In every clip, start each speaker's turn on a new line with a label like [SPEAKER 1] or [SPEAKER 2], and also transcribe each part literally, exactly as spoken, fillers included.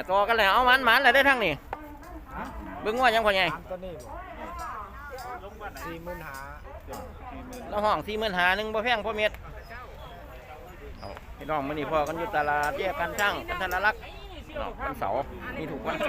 [SPEAKER 1] ต่อกันแล้วเอามันมันอะไรได้ทั้งนี่เบิ้งว่ายังพอไง
[SPEAKER 2] ตัวนี้สี่หมื่นหา
[SPEAKER 1] แล้วห้องสี่หมื่นหาหนึ่งบ่แพงพ่อเม็ดพี่น้องมื้อนี้พอกันอยู่ตลาดแยกกันช่างกันธนรักษ์วันเสาร์มีถูกวัน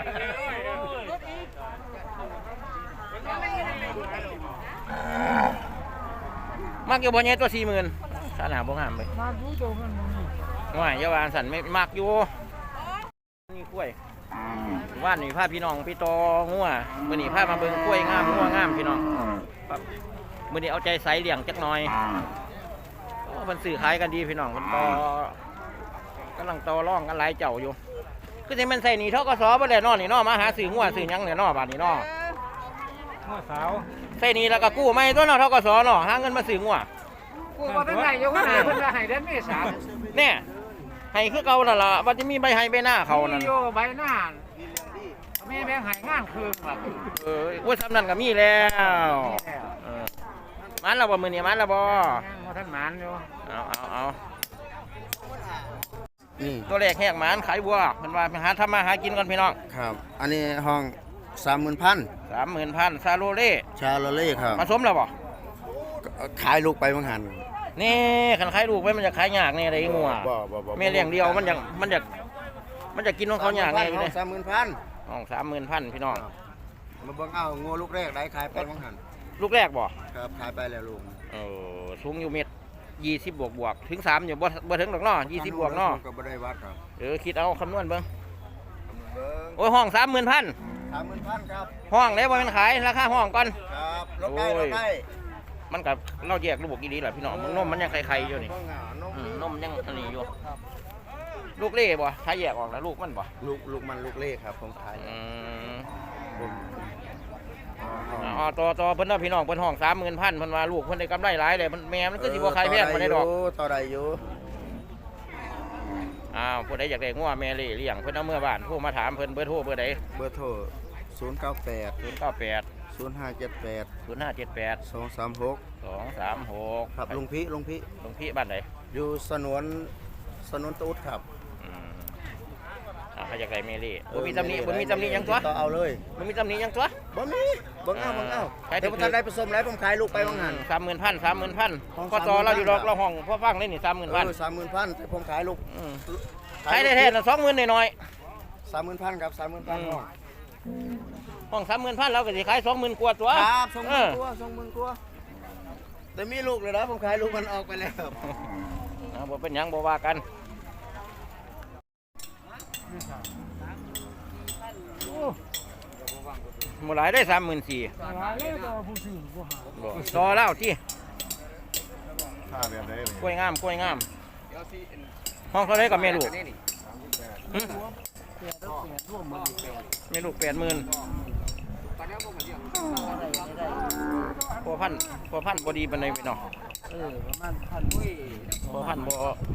[SPEAKER 1] มากอยู่บ่เนี่ยตัวสี่หมื่นขนาดบ่งามเลยมากอยู่ตัวมันว่าเยาวานสันไม่มากอยู่นี่กล้วยว่านนี่พาพี่น้องพี่ตองัวมื้อนี้พามาเบิ่งกล้วยงามงัวงามพี่น้องมื้อนี้เอาใจใส่เลี้ยงจักหน่อยมันสื่อขายกันดีพี่น้องมันต่อกำลังต่อร่องกันหลายเจ้าอยู่คือที่มันใส่นี่เท่าก็ซอบ่ได้นอนนี่นอมาหาสื่องัวสื่อยังเนี่ยนอบาดนี่นอ
[SPEAKER 2] งัวสาว
[SPEAKER 1] ใส่นี่แล้วก็กู้ไม่ตัวเนาะเท่าก็ซอเนาะหาเงินมาสื่องัว
[SPEAKER 2] กู้ว่าตั้งไหนอยู่ข้างหน้าเพิ่นจะให้เดือนเมษา
[SPEAKER 1] เนี่ยให้คือเก่านั่นล่ะว่าจะมีใบให้ใบหน้าเขานั่น
[SPEAKER 2] โยใบหน้าแม่แบงให้งานคืนครับ
[SPEAKER 1] เออว่าซ้ำนั่นก็มีแล้วมันเราบ่มือนี่มันเราบ่
[SPEAKER 2] ท่านมันอยู่
[SPEAKER 1] เอาเอาเอานี่ตัวแรกแหกหมันขายบัวเพิ่นว่าไปหาทำมาหากินก่อนพี่น้อง
[SPEAKER 3] ครับอันนี้ห้องสามหมื่นพัน
[SPEAKER 1] สามหมื่นพันซาโรเล่
[SPEAKER 3] ชาโรเล่ครับ
[SPEAKER 1] ผสมแล้วบ่
[SPEAKER 3] ขายลูกไปบางหัน
[SPEAKER 1] นี่ขันขายลูกไปมันจะขายยากนี่อะไรงัวแม่เลี้ยงเดียวมันอยากมันอยากมันจะกินของเขายากไง
[SPEAKER 3] ห้องสามหมื่นพัน
[SPEAKER 1] ห้องสามหมื่นพันพี่น้อง
[SPEAKER 3] มาเบิ่งเอางัวลูกแรกได้ขายไปบางหัน
[SPEAKER 1] ลูกแรกบ่
[SPEAKER 3] ครับขายไปแล้วลูก
[SPEAKER 1] เออสูงอยู่เมตรยี่สิบบวกบวกถึงสามอยู่บ่บ่ถึงดอกเนาะยี่สิบบวกเนาะ
[SPEAKER 3] ก็บ่ได้วัดครับ
[SPEAKER 1] เออคิดเอาคำนวณเบิ่งโอ้ยห้องสามหมื่นพัน
[SPEAKER 3] สามหมื่นพันครับ
[SPEAKER 1] ห้องแล้วบ่เป็นขายราคาห้องก่อน
[SPEAKER 3] ครับลดได้ลดได้
[SPEAKER 1] มันกับเราแยกลูกอีดีแหละพี่น้องมึงนมมันยังไข่ๆอยู่นี่นมยังอันนี้อยู่ลูกเล่บ่ขายแยกออกแล้วลูกมันบ่
[SPEAKER 3] ลูกลูกมันลูกเล่ครับผมขาย
[SPEAKER 1] อ๋อต่อต่อเพิ่นเนาะพี่น้องเพิ่นห้องสามหมื่นพันเพิ่นว่าลูกเพิ่นได้กำไรหลายเลยมันแม่มันก็สิบ่ขายแพงบ่ได้ดอก
[SPEAKER 3] ต่อได้อยู่
[SPEAKER 1] อ้าวผู้ใดอยากได้งัวแม่เล่เลี้ยงเพิ่นเอาเมื่อบ้านโทรมาถามเพิ่นเบอร์โทรเบอร์ใด
[SPEAKER 3] เบอร์โทรศูนย์เก้าแปด
[SPEAKER 1] ศูนย์เก้าแปด
[SPEAKER 3] ศูนย์ห้าเจ็ดแปด
[SPEAKER 1] ศูนย์ห้าเจ็ดแปด
[SPEAKER 3] สองสามหก
[SPEAKER 1] สองสามหก
[SPEAKER 3] ครับลุงพี่ลุงพี่
[SPEAKER 1] ลุงพี่บ้านไหน
[SPEAKER 3] อยู่สนวนสนวนตูดครับ
[SPEAKER 1] อ่าใครอยากได้แม่เล่บ่มีตำหนิบ่มีตำหนิยังตัว
[SPEAKER 3] ต่อเอาเลย
[SPEAKER 1] บ่มีตำหนิยังตัว
[SPEAKER 3] บ่มีบ่เอาบ่เอาเดี๋ยวผมทันได้ผสมแล้วผมขายลูกไปบางหัน
[SPEAKER 1] สามหมื่นพันสามหมื่นพันก็ต่อเราอยู่ดอกเราห้องพ่อฟังเลยนี่สามหมื่นพัน
[SPEAKER 3] สามหมื่นพันผมขายลูก
[SPEAKER 1] ขายได้แท้ละสองหมื่นหน่อย
[SPEAKER 3] สามหมื่นพันครับสามหมื่นพันห้อง
[SPEAKER 1] ห้องสามหมื่นพันเราก็สิขายสองหมื่นกว่าตัว
[SPEAKER 3] ครับสองหมื่นกว่าสองหมื่นกว่าแต่มีลูกเลยนะผมขายลูกมันออกไปแล้ว
[SPEAKER 1] นะบ่เป็นยังบ่ว่ากันหมดหลายได้สามหมื่นสี่ต่อแล้วที่กล้วยงามกล้วยงามห้องเท่าไรกับเมลูกเมลูกแปดหมื่นพอพันพอพันพอดีเป็นไงพี่น้องเออประมาณพันพอพันพอ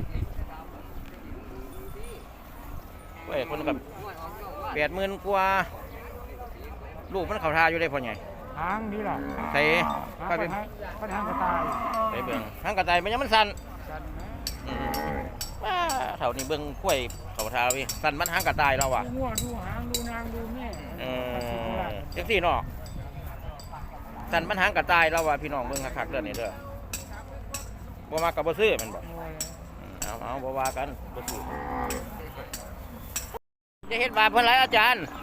[SPEAKER 1] เว้ยคนกับแปดหมื่นกว่าลูกมันเข่าทาอยู่ได้พอไง
[SPEAKER 2] หางนี่แหละ
[SPEAKER 1] ใส่
[SPEAKER 2] ก็เป็นก็ทางกระต่าย
[SPEAKER 1] ใส่เบิ่งทางกระต่ายมันยังมันสั่นว้าเท่านี้เบิ่งกล้วยเข่าทาพี่สั่นมันหางกระต่ายเราอ่ะ
[SPEAKER 2] ดูหัวดูหางดูนางดูแม่
[SPEAKER 1] เออเจ็กซี่เนาะสั่นมันหางกระต่ายเราอ่ะพี่น้องเบิ่งคักๆเด้อนี่เด้อบ่มากับบ่ซื้อมันบ่เอาเอาบ่ว่ากันบ่ซื้อจะเฮ็ดบาปเพิ่นหลายอาจารย์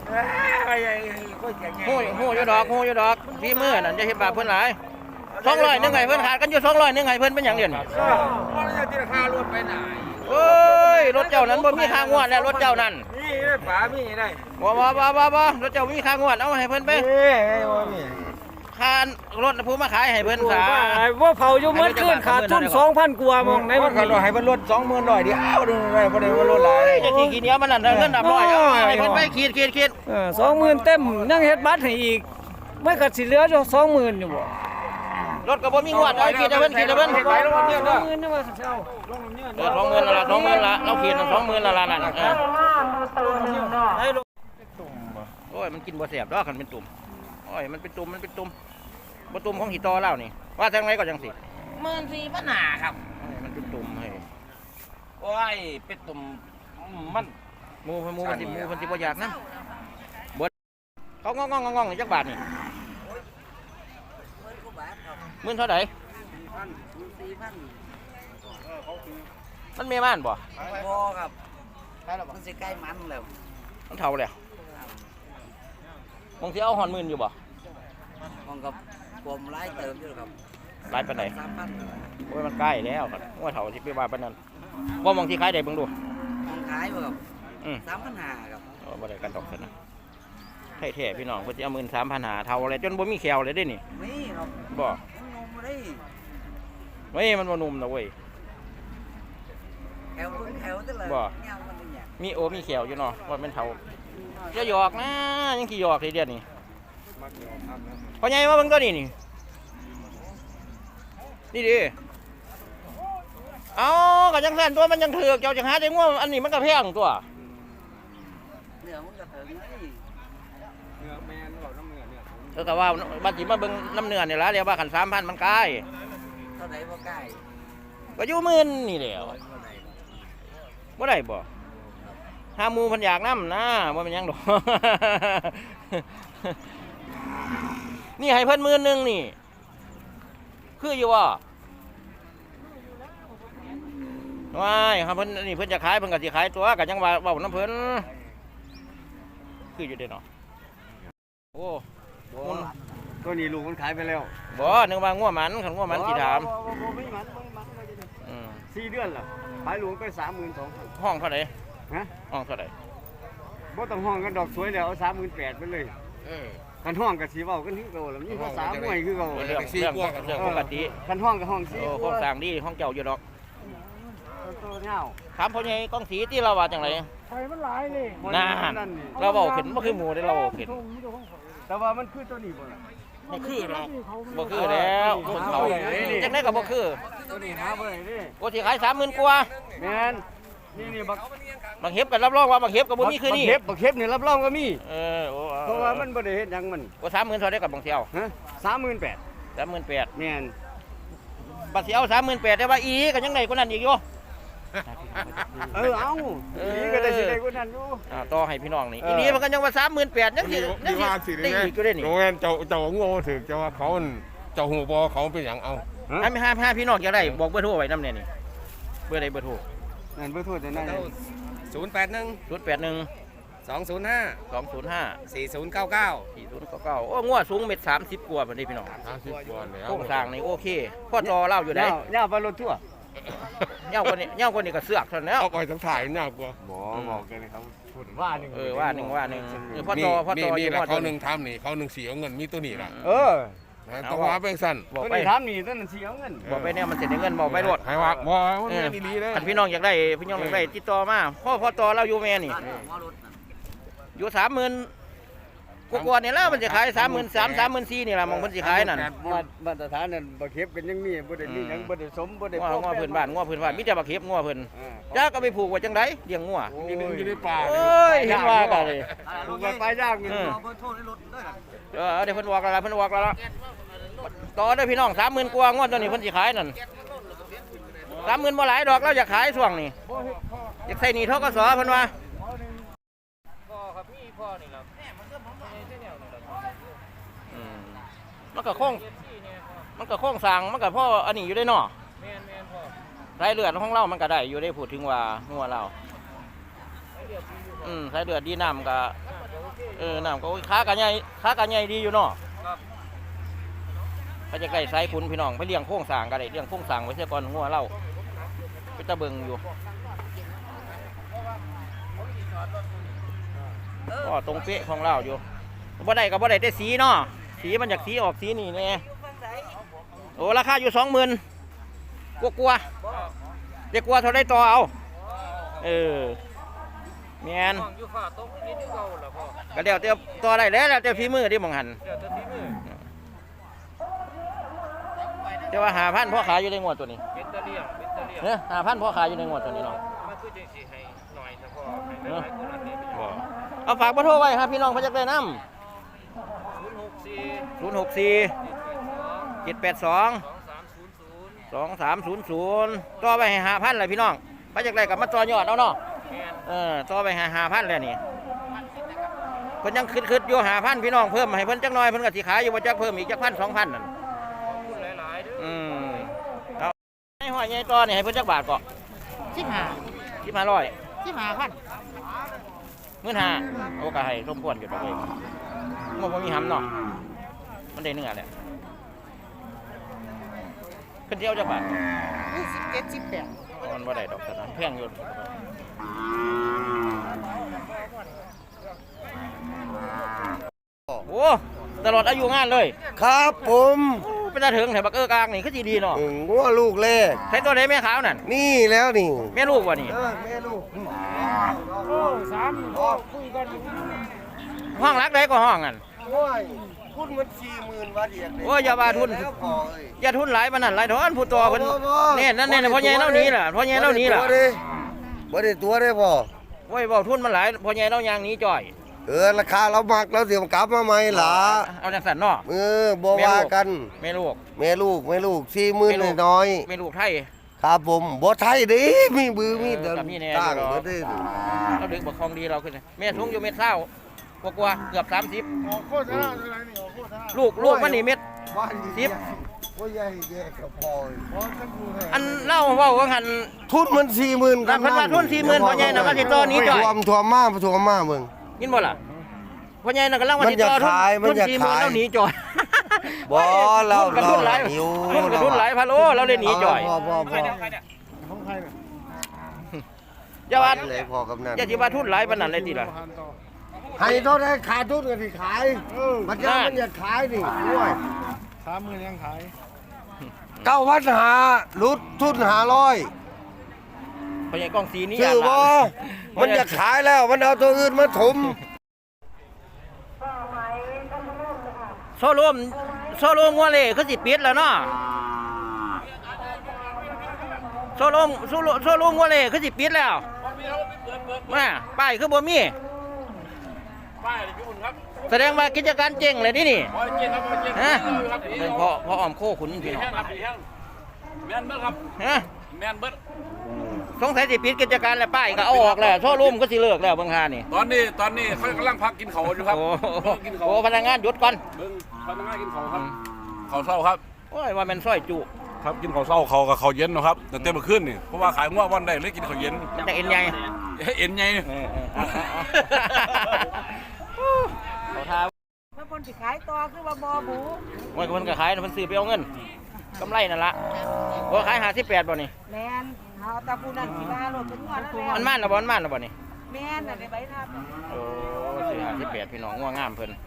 [SPEAKER 1] หูหูอยู่ดอกหูอยู่ดอกพี่มือนั่นจะเห็นบาปเพื่อนหลายสองร้อยนึงไงเพื่อนขาดกันอยู่สองร้อยนึงไงเพื่อนเป็นอย่างเดียวนี่
[SPEAKER 2] ที่ราคารถไปไหน
[SPEAKER 1] เฮ้ยรถเจ้านั้นบ่มีค่างวดแล้วรถเจ้านั้น
[SPEAKER 2] นี่ได้ป๋ามีได้
[SPEAKER 1] บ่บ่บ่บ่บ่รถเจ้ามีค่างวดเอาให้เพื่อนไปค่ารถผู้มาขายให้เพื่อนขา
[SPEAKER 2] ว่าเผาอยู่เมื่อคืนขาดทุนสองพันกว่ามองใน
[SPEAKER 3] มันขาดให้มันลดสองหมื่นหน่อยเดียวดูได้บ่ได้ว่าลดหลาย
[SPEAKER 1] จะขี่กี่เนี้ยมันนั่นเงินดับร้อยเอาให้เพื่อนไปขีดขีดขีด
[SPEAKER 2] สองหมื่นเต็มยังเฮ็ดบัตรให้อีกไม่กัดสิเหลืออยู่สองหมื่นอยู่บ่
[SPEAKER 1] รถก็บ่มีงวดเอาขีดให้เพื่อนขีดให้เพื่อนสองหมื่นนะว่าเช่าเออสองหมื่นละสองหมื่นละเราขีดสองหมื่นละละนั่นเออโอ้ยมันกินบ่แซ่บดอกคันเป็นตุ่มโอ้ยมันเป็นตุ่มมันเป็นตุ่มบ่ตุ่มของหิตอเล่านี่ว่าทางไหนก็จังสิ
[SPEAKER 4] หมื่นสี่พันหาครับ
[SPEAKER 1] มันเป็นตุ่มให้
[SPEAKER 4] โอ้ยเป็นตุ่มมัน
[SPEAKER 1] หมูหมูมันสิหมูมันสิบ่อยากนะบ่เขางองงองงองจักบาทนี่หมื่นเท่าไหร่มันเมียบ้านบ่
[SPEAKER 4] พอครับมันสิใกล้มันแล้ว
[SPEAKER 1] มันเท่าแล้วมองที่เอาหอนหมื่นอยู่บ่
[SPEAKER 4] มองกับผมไล่เติมอยู่ครับ
[SPEAKER 1] หลายปานใด
[SPEAKER 4] สามพัน
[SPEAKER 1] โอ้ยมันใกล้แล้วครับว่าเท่าที่ไปว่าปานนั้นว่ามองที่ขายได้เบิ่งดู
[SPEAKER 4] มองขายบ่ครับ
[SPEAKER 1] อืม
[SPEAKER 4] สามพันห้าครับ
[SPEAKER 1] เออบ่ได้กันดอกซั่นนะแท้ๆพี่น้องเพิ่นสิเอาหมื่นสามพันห้าเท่าอะไรจนบ่มีแขวเลยเด้นี่
[SPEAKER 4] นี่ครับ
[SPEAKER 1] บ่
[SPEAKER 4] มันนมมาได้
[SPEAKER 1] เฮ้ยมันบ่นุ่มนะเว้ย
[SPEAKER 4] แถวเพิ่งแถวตลอด
[SPEAKER 1] บ่
[SPEAKER 4] เงามันเป็นอย่าง
[SPEAKER 1] มีโอมีแขวอยู่เนาะว่าเป็นเท่าจะหยอกนะยังสิหยอกเลยเดี๋ยวนี้พ่อใหญ่มาเบิ่งตัวนี้นี่นี่ดิเอาก็จังซั่นตัวมันยังถูกเจ้าจังหาได้ง่วงอันนี้มันก็แพงตัว
[SPEAKER 4] เนื้อมันก็ถึงเลย
[SPEAKER 1] เออก็ว่าบัดสิมาเบิ่งน้ำเนื้อนี่ล่ะเรียกว่าคันสามพันมันกาย
[SPEAKER 4] เท่าไหร่บ่ใกล้
[SPEAKER 1] ก็อยู่หมื่นนี่แหล้ว
[SPEAKER 4] เท่าไหร่
[SPEAKER 1] บ่ได้บ่หาหมูเพันอยากน้ำนะบ่เป็นหยังดอก นี่ให้เพิ่นหมื่นหนึงนี่ คืออยู่ว่าว้ายครับเพิ่นนี่เพิ่นจะขายเพิ่นก็สิขายตัวก็ยังว่าเว้าน้ำเพิ่นคืออยู่เด้เนาะโอ้มัน
[SPEAKER 3] ตัวนี้ลูกมันขายไปแล้ว
[SPEAKER 1] บ่นึกว่างัวหมันคันงัวหมันสิถาม
[SPEAKER 3] บ่บ่ไม่มันไม่มัน
[SPEAKER 1] อืม
[SPEAKER 3] สี่เดือนแล้วขายลูกไปสามหมื่นสองพัน
[SPEAKER 1] ห้องเท่าใด
[SPEAKER 3] ฮะ
[SPEAKER 1] ห้องเท่าใด
[SPEAKER 3] บ่ต้องห้องกันดอกสวยแล้วเอาสามหมื่นแปดไปเลย
[SPEAKER 5] เออ
[SPEAKER 3] กันห้องกับสีเว้ากันคือเก่าแล้วมีภาษามวยคือเก่า
[SPEAKER 1] เรื่องเรื่องเรื่องปกติ
[SPEAKER 3] กันห้องกับห้องสี
[SPEAKER 1] โอ้โครงสร้างดีห้องเจ้าอยู่ดอก
[SPEAKER 3] ตัวเงา
[SPEAKER 1] ถามพ่อใหญ่กองสีที่เราว่าจังไร
[SPEAKER 2] ไฟมันหลายเลย
[SPEAKER 1] น่าเราเว้าขึ้นบ่คือหมู่ได้เราเว้าขึ้น
[SPEAKER 3] แต่ว่ามันคือตัวนี้บ่ล่ะ
[SPEAKER 5] บ่คือหรอก
[SPEAKER 1] บ่คือแล้วคนเขาจังได๋ก็บ่คือ
[SPEAKER 3] ตัวนี้หาบ่ได้เด้
[SPEAKER 1] โอ้สิขาย สามหมื่น กว่า
[SPEAKER 3] แม่นนี่นี่บัก
[SPEAKER 1] บางเฮ็บก็รับรองว่าบางเฮ็บก็บ่มีคือนี่
[SPEAKER 3] บักเข็บบักเข็บนี่รับรองก็มี
[SPEAKER 1] เออโอ้
[SPEAKER 3] เพราะว่ามันบ่ได้เฮ็ดหยังมัน
[SPEAKER 1] โอ้สามหมื่นเท่าได้กับบางเที่ยว
[SPEAKER 3] ฮะสามหมื่นแปด
[SPEAKER 1] สามหมื่นแปด
[SPEAKER 3] แม่น
[SPEAKER 1] บัดสิเอาสามหมื่นแปดได้ว่าอีก็ยังได้กว่านั้นอีกอยู่
[SPEAKER 3] เออเอาอีก็ได้สิได้กว่านั้นอยู่
[SPEAKER 1] อ่าต่อให้พี่น้องนี่
[SPEAKER 3] เออ
[SPEAKER 1] อีนี้มันก็ยังว่าสามหมื่นแปดยังสิ
[SPEAKER 5] มีว่าสิ
[SPEAKER 1] ได้
[SPEAKER 5] ได้
[SPEAKER 1] อีกอยู่ได้นี่
[SPEAKER 5] โรงแรมเจ้าเจ้าโง่ถึกเจ้าว่าเขาอั่นเจ้าหูบอเขาเป็นหยังเอา
[SPEAKER 1] ถ้ามีห้าห้าพี่น้องอยากได้บอกเบอร์โทรไว้นำเนี่ยนี่เบอร์ใดเบอร์โทร
[SPEAKER 3] นั่นเบ่โทษแต่นั่น
[SPEAKER 5] ศูนย์แปดหนึ่ง
[SPEAKER 1] ศูนย์แปดหนึ่ง
[SPEAKER 5] สองศูนย์ห้า
[SPEAKER 1] สองศูนย์ห้า
[SPEAKER 5] สี่ศูนย์เก้าเก้า
[SPEAKER 1] สี่ศูนย์เก้าเก้าโอ้งัวสูงเม็ดสามสิบกว่าพอดีพี่น้อง
[SPEAKER 5] สามสิบกว่าแล้ว
[SPEAKER 1] โครงสร้างนี่โอเคพ่อจอเล่าอยู่ได้
[SPEAKER 3] ยาวย่าวไปรถทั่ว
[SPEAKER 1] เง่าคนนี้เง่าคนนี้ก็เสือกเท่านั้นแล้ว
[SPEAKER 5] เอาไปทั้งถ่ายน่ากลัว
[SPEAKER 3] บ่บอกกันเลยครับพูดว่าหนึง
[SPEAKER 1] เออว่าหนึ่งว่าหนึ่งเออพ่อ
[SPEAKER 5] นี่
[SPEAKER 1] จอพ่อ
[SPEAKER 5] นี่
[SPEAKER 1] จอ
[SPEAKER 5] นี่
[SPEAKER 1] อยู่
[SPEAKER 5] แหละ
[SPEAKER 1] พ่อจ
[SPEAKER 5] เขา
[SPEAKER 1] อ
[SPEAKER 5] หนึ่งทำนี่เขาหนึ่งเสียเงินมีตัวนี้ล่ะ
[SPEAKER 3] เออ
[SPEAKER 5] นะต้องว่าเป็นสั้น
[SPEAKER 1] บอก
[SPEAKER 3] ตัว
[SPEAKER 1] ไป
[SPEAKER 3] นี้ถามนี่ตัวนั้นสิเอาเงิน
[SPEAKER 1] บอกไปเนี่ยมันเสร็จเงินบอกไปรถ
[SPEAKER 5] ให้ว่าบ่มัน
[SPEAKER 1] เออ
[SPEAKER 5] ไม่ดีๆเลย
[SPEAKER 1] คันพี่น้องอยากได้พี่น้องอยากได้ติดต่อมาพ่อพ่อจอเราอยู่แม่นี่
[SPEAKER 4] บ้านหัวรถน่ะ
[SPEAKER 1] อยู่สามหมื่นกว่าๆนี่แล้วมันจะขายสามหมื่นสามสามหมื่นสี่นี่แหละมองมันสิขายนั่น
[SPEAKER 3] มามาตรฐานนั่นบ่เข็บกันยังมีบ่ได้มีหยังบ่ได้สมบ่ได้
[SPEAKER 1] ง้อง้อเพิ่นบ้านง้อเพิ่นบ้านมีแต่บักเข็บง้อเพิ่น
[SPEAKER 3] อ่า
[SPEAKER 1] จ้าก็ไปผูกไว้จังไดเลี้ยงง้อ
[SPEAKER 5] อยู่ในอยู่ในป่า
[SPEAKER 1] โอ้ยเห็นว่ากันเลย
[SPEAKER 3] ลูกไปปลายย่างนี่
[SPEAKER 1] เออ
[SPEAKER 4] เอาเบอร์โทรในรถด้วย
[SPEAKER 1] เออเดี๋ยวเพิ่นบอกแล้วล่ะเพิ่นบอกแล้วล่ะต่อเด้อพี่น้องสามหมื่นกว่าง้อตัวนี้เพิ่นสิขายนั่นสามหมื่นบ่หลายดอกเราอยากขายช่วงนี้อยากใส่หนี้ทกสเพิ่นว่าพ่อครับพี่พ่อนี่ครับอืมมันก็คงมันก็โค้งสร้างมันก็พ่ออันนี้อยู่ได้เนาะสายเลือดของเรามันก็ได้อยู่ได้พูดถึงว่างัวเราอืมสายเลือดดีน้ำก็เออน้ำก็ค้ากันใหญ่ค้ากันใหญ่ดีอยู่เนาะเขาจะใกล้สายคุณพี่น้องไปเลี้ยงโค้งสร้างก็ได้เลี้ยงโค้งสร้างไว้เสียก่อนงัวเราไปตะเบิงอยู่ก็ตรงเป๊ะของเราอยู่บ่ได้กับบ่ได้แต่สีเนาะสีมันจากสีออกสีนี่แน่โอ้ราคาอยู่สองหมื่นกลัวกลัวเด็กกลัวเท่าได้ต่อเอาเออแมนก็เดี๋ยวเดี๋ยวต่อได้แล้วเดี๋ยวฝีมือที่มองหันเดี๋ยวว่าหาพันพ่อขายอยู่ในงวดตัวนี้เนี่ยหาพันพ่อขายอยู่ในงวดตัวนี้เนาะเนอะเอาฝากเบอร์โทรไว้ครับพี่น้องพระจักรได้น้ำศูนย์หกสี่เจ็ดแปดสองสองสามศูนย์ศูนย์ต่อไปให้หาพันเลยพี่น้องพระจักรได้กับมาต่อยอดเอาเนาะเออต่อไปหาหาพันแล้วนี่เพิ่นยังคืดๆอยู่หาพันพี่น้องเพิ่มให้เพิ่นจักหน่อยเพิ่นก็สิขายอยู่บ่จักเพิ่มอีกจักพันสองพันนั่นอืมเอาให้หอยใหญ่ต่อนี่ให้เพิ่นจักบาทก็สิบห้า สิบห้าร้อยสิบห้าพันหมื่นห้าโอ้ก็ให้สมควรอยู่ดอกเว้ยมันบ่มีหำเนาะมันได้เนื้อแหละเพิ่นสิเอาจักบาทสิบเจ็ด สิบแปดมันบ่ได้ดอกซั่นนะแพงอยู่โอ้ตลอดอายุงานเลย
[SPEAKER 3] ครับผม
[SPEAKER 1] โอ้เป็นตาถึงแถวบักเออกลางนี่คือสิดีเนาะ
[SPEAKER 3] อืมงัวลูกแรก
[SPEAKER 1] ใช้ตัวไหนแม่ขาวนั่น
[SPEAKER 3] นี่แล้วนี่
[SPEAKER 1] แม่ลูกวะนี่
[SPEAKER 3] เออแม่ลูก
[SPEAKER 2] โอ้สามพ่อคุยกัน
[SPEAKER 1] ห้องรักได้ก็ห้องกัน
[SPEAKER 3] โอ้ยทุนมันสี่หมื่นบาทเดียว
[SPEAKER 1] โอ้ยอย่าว่าทุน
[SPEAKER 3] แล้วพอเอ้ย
[SPEAKER 1] อย่าทุนหลายปานนั้นหลายทอนผู้ตัวเพิ่น
[SPEAKER 3] บ่บ่
[SPEAKER 1] เนี่ยนั่นเนี่ยพ่อใหญ่เล่านี้ล่ะพ่อใหญ่เล่านี้ล่ะ
[SPEAKER 3] บ่ได้บ่ได้ตัวได้พ่อ
[SPEAKER 1] โอ้ยเว้าทุนมันหลายพ่อใหญ่เล่ายางหนี้จ่อย
[SPEAKER 3] เออราคาเรามักเราเดี๋ยวกลับมาใหม่ล่ะ
[SPEAKER 1] เอาจังซั่นเนาะ
[SPEAKER 3] เออบ่ว่ากัน
[SPEAKER 1] แม่ลูก
[SPEAKER 3] แม่ลูกแม่ลูกสี่หมื่นน้อย
[SPEAKER 1] แม่ลูกไทย
[SPEAKER 3] ๆครับผมบ่ไทยเดิมีบือมี
[SPEAKER 1] เออกับมีแน่
[SPEAKER 3] ต่าง
[SPEAKER 1] อยู่หรอ
[SPEAKER 3] บ่ได้
[SPEAKER 1] เราดึงบักคองดีเราขึ้นแม่สูงอยู่เม็ดเศร้ากว่าๆเกือบสามสิบลูกลูกมันนี่เม็ด
[SPEAKER 3] บ้าน
[SPEAKER 1] สิบ
[SPEAKER 3] บ่ใหญ่แยกกับพอ
[SPEAKER 1] อันเล่าเว้าว่าหัน
[SPEAKER 3] ทุนมันสี่หมื่น
[SPEAKER 1] เพิ่นว่าทุนสี่หมื่นพ่อใหญ่น่ะว่าสิต่อนี้จ่อย
[SPEAKER 3] ท่วมท่วมมาท่วมมาเบิ่ง
[SPEAKER 1] ยินบ่ล่ะพ่อใหญ่น่ะกำลังว่า
[SPEAKER 3] มัน
[SPEAKER 1] สิ
[SPEAKER 3] อยาก
[SPEAKER 1] ต่อทุน
[SPEAKER 3] ขายมัน
[SPEAKER 1] ทุน
[SPEAKER 3] อยาก
[SPEAKER 1] สี่หมื่น
[SPEAKER 3] ขาย
[SPEAKER 1] แล้วหนีจ่อย
[SPEAKER 3] บ่เรา
[SPEAKER 1] ทุนกับทุนหลาย
[SPEAKER 3] เราหิว
[SPEAKER 1] ทุนกับทุนหลายพันโลเราเลยหนีจ่อย
[SPEAKER 3] พอพอพอ
[SPEAKER 1] อย่าว่า
[SPEAKER 3] เลยพอกับนั่น
[SPEAKER 1] อย่าสิว่าทุนหลายปานนั้นเลยติล่ะ
[SPEAKER 3] ให้เท่าได้ขาดทุนก็สิขายมันจะมันอยากขายนี่ด้วย
[SPEAKER 2] สามหมื่นยังขาย
[SPEAKER 3] เก้าพันหาลุดทุนหาร้อย
[SPEAKER 1] พ่อใหญ่กองสีนี่
[SPEAKER 3] ชื่อบ่
[SPEAKER 1] ย่านหลาน
[SPEAKER 3] มันอยากขายแล้วมันเอาตัวอื่นมาถม
[SPEAKER 1] โซโลมโซโลมงัวเล่คือสิปิดแล้วเนาะโซโลมโซโลโซโลมงัวเล่คือสิปิดแล้วมาป้ายคือบ่มีป้ายพี่บุญครับแสดงว่ากิจการเจ๊งเลยนี่นี่ฮะเป็นเพราะเพราะอ้อมโคขุนพี่น้อง
[SPEAKER 6] แมนเบิดครับ
[SPEAKER 1] ฮะ
[SPEAKER 6] แมนเบิด
[SPEAKER 1] สงสัยสิปิดกิจการแล้วป้ายก็เอาออกแล้วโซโลมก็สิเลิกแล้วเบิ่งหานี่
[SPEAKER 6] ตอนนี้ตอนนี้เขากำลังพักกินเขาอยู่ครับ
[SPEAKER 1] โอ้
[SPEAKER 6] เบิ่งกินเขา
[SPEAKER 1] โหพนักงานหยุดก่อน
[SPEAKER 6] เบิ่งพนักงานกินเขาครับเขาเศร้าครับ
[SPEAKER 1] โอ้ยว่าแมันซอยจุ
[SPEAKER 6] ครับกินเขาเศร้าเขากับเขาเย็นเนาะครับแต่เต็มมาขึ้นนี่เพราะว่าขายง่วงวันได้เลยกินเขาเย็น
[SPEAKER 1] มันจะเอ็นใหญ่
[SPEAKER 6] เอ็นไง
[SPEAKER 1] เออเออเอาเอาเอาเขาทา
[SPEAKER 7] เมื่อคนสิขายต่อคือว่าบ่หมู
[SPEAKER 1] เมื่อคนก็ขายน่ะมันซื้อไปเอาเงินกำไรนั่นละว่าขายห้าสิบแปดบ่นี่
[SPEAKER 7] แมนเอาตาปูนั่นสิมาโลดเป็นงวดแล้ว
[SPEAKER 1] มันม่านนะบ่มันม่านนะบ่นี่
[SPEAKER 7] แมนน่ะได้ใบหน้า
[SPEAKER 1] โอ้ซื้อห้าสิบแปดพี่น้องง่วงงามเพิ่น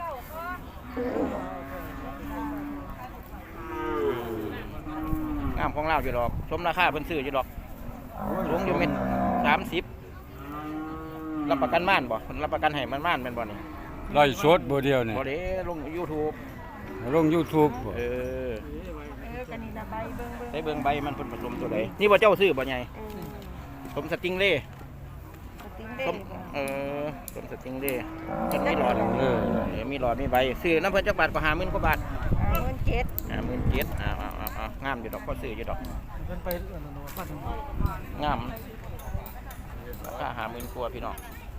[SPEAKER 1] งามของเราอยู่ดอกสมราคาเพิ่นซื้ออยู่ดอกสูงอยู่เม็ดสามสิบรับประกันม่านบ่เพิ่นรับประกันให้มันม่านแม่นบ่นี่
[SPEAKER 8] ไล่สดบ่เดียวนี่
[SPEAKER 1] บ่เด้ลง YouTube
[SPEAKER 8] ลง YouTube บ่
[SPEAKER 1] เออ
[SPEAKER 7] เออกันนี่นะใบเบิ่งเบิ่ง
[SPEAKER 1] ได้เบิ่งใบมันเพิ่นผสมตัวใดนี่บ่เจ้าซื้อบ่ใหญ่สมสติงเล่
[SPEAKER 7] สติงเด้
[SPEAKER 1] สมเออสมสติงเล่จังมีหลอด
[SPEAKER 8] เออ
[SPEAKER 1] เออมีหลอดมีใบซื้อน้ำเพิ่นจักบาทก็ห้าหมื่นกว่าบาท
[SPEAKER 7] เงินเจ็ด
[SPEAKER 1] ห้าหมื่นเจ็ดอ้าวอ้าวอ้าวอ้าวงามอยู่ดอกก็ซื้ออยู่ดอก
[SPEAKER 2] เป็นไปเอื่อนนพัน
[SPEAKER 1] งามราคาห้าหมื่นกว่าพี่น้อง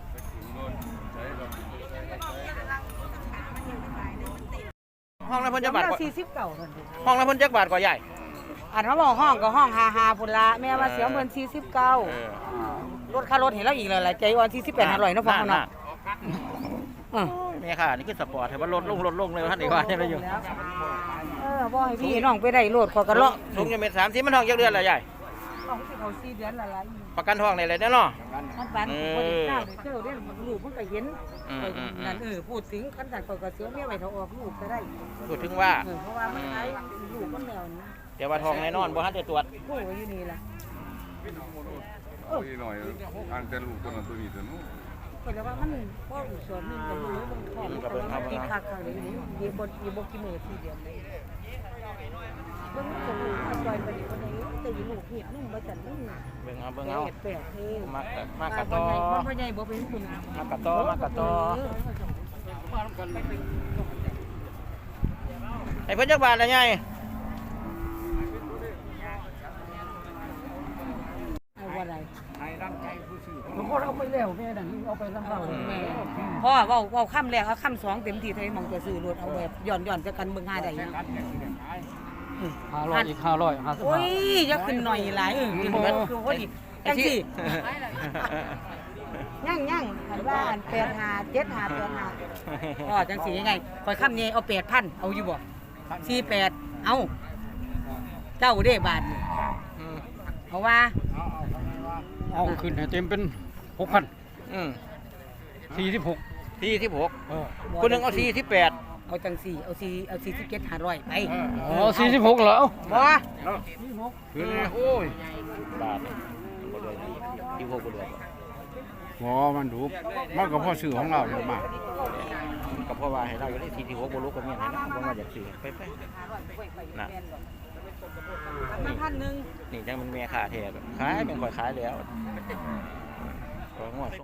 [SPEAKER 1] ห้องละเพิ่นจักบาทกว่า
[SPEAKER 7] สี่สิบเก้านั่นดิ
[SPEAKER 1] ห้องละเพิ่นจักบาทกว่าใหญ่
[SPEAKER 7] อันว่าบอกห้องก็ห้องห้าห้าพุ่นละแม่ว่าเสียเงินสี่สิบเก้า
[SPEAKER 1] เออ
[SPEAKER 7] รถค่ารถเห็นแล้วอีกเลยหลายใจอ่อนสี่สิบแปดห้าร้อยเนาะพ่อเนาะอือ
[SPEAKER 1] แม่ค่ะนี่คือสปอร์ตให้มันลดลงลดลงเลยท่านอีกว่าเนี่ยอยู่
[SPEAKER 7] เออบ่ให้พี่น้องไปได้โลดขอกันเลาะ
[SPEAKER 1] สูงอยู่เมตรสามสิบมันทองจักเดือนละใหญ่
[SPEAKER 7] ต้องสิเขาสี่เดือนละละ
[SPEAKER 1] ประกันทองในอะไรแน่เนาะ
[SPEAKER 7] มันบ้านบ่ได้ทราบเลยเจ้าเด้ลูกมันก็เห็น
[SPEAKER 1] อืมอืมอืม
[SPEAKER 7] นั่นเออพูดถึงคันสั่นก็เสียเมียไว้เท่าออกลูกก็ได้
[SPEAKER 1] พูดถึงว่า
[SPEAKER 7] เออเพราะว่ามันใช้ลูกมันแมวนี่
[SPEAKER 1] แต่ว่าทองแน่นอนบ่ทันได้ตรวจ
[SPEAKER 7] ผู้ไว้อยู่นี่ล่ะ
[SPEAKER 5] โอ้ยหน่อยอ่านแต่ลูกตัวนั้นตัวนี้ตัวนู้น
[SPEAKER 7] ก็เลยว่ามันบ่อุศรมันก็รู้มันท้องมันก็มันติดคักๆเลยนี่มีบ่มีบ่กี่มื้อสี่เดือนเลยเบิ่งมันก็รู้มันปล่อยไปนี่คนนี้แต่อยู่ลูกเฮ็ดนุ่มบ่จันนุ่ม
[SPEAKER 1] เบิ่งเอาเบิ่งเอา
[SPEAKER 7] เฮ็ดแปลกเท่
[SPEAKER 1] มากะมากะ
[SPEAKER 7] บ่
[SPEAKER 1] ตอ
[SPEAKER 7] ใหญ่บ่ใหญ่บ่เป็นคุณ
[SPEAKER 1] มากะตอมากะตอให้เพิ่นจักบาทละใหญ่
[SPEAKER 7] เอาว่าไร
[SPEAKER 1] เ
[SPEAKER 2] เอาไปแล้วแม่นั่นเอาไปทั้งเรา
[SPEAKER 7] พ่อเว้าเว้าค่ำแรกเอาค่ำสองเต็มที่เท่าไหร่มองจะซื้อรถเอาแบบย่อนย่อนจะกันเบิ่งหาได้ยัง
[SPEAKER 2] ห้าร้อยอีกห้าร้อยห้าสิบ
[SPEAKER 7] โอ้
[SPEAKER 2] ห้าย
[SPEAKER 7] อย่าขึ้นหน่อยหลายเออกินเบิดคือพอดีจังสิย่างย่างหันว่าอันแปดหาเจ็ดหาแปดหาอ๋อจังสิยังไงคอยค่ำนี้เอาแปดพันเอาอยู่บ่สี่แปดเอาเจ้าเด้บาทนี่เอาว่า
[SPEAKER 2] เอาขึ้นให้เต็มเป็นหกพัน
[SPEAKER 1] อืม
[SPEAKER 2] สี่สิบหก
[SPEAKER 1] สี่สิบหกคนหนึ่งเอาสี่สิบแปด
[SPEAKER 7] เอาจังสี่เอาสี่เอาสี่สิบเจ็ดหาร้อยไป
[SPEAKER 2] อ๋อสี่สิบหกเหรอ
[SPEAKER 7] บ่
[SPEAKER 1] คือโอ้ยบาทนี่บ่เลยที่หกบ่เลย
[SPEAKER 8] หมอมันดูมันก็พอซื้อของเราเยอะมาก
[SPEAKER 1] ก็เพราะว่าให้เราอยู่ที่สี่สิบหกบ่รู้ก็มีให้นะบ่มาจากซื้อไปไปน่ะ
[SPEAKER 7] มาพันหนึ่ง
[SPEAKER 1] นี่จังมันแม่ค่าแท้ขายเป็นข่อยขายแล้วก็งวด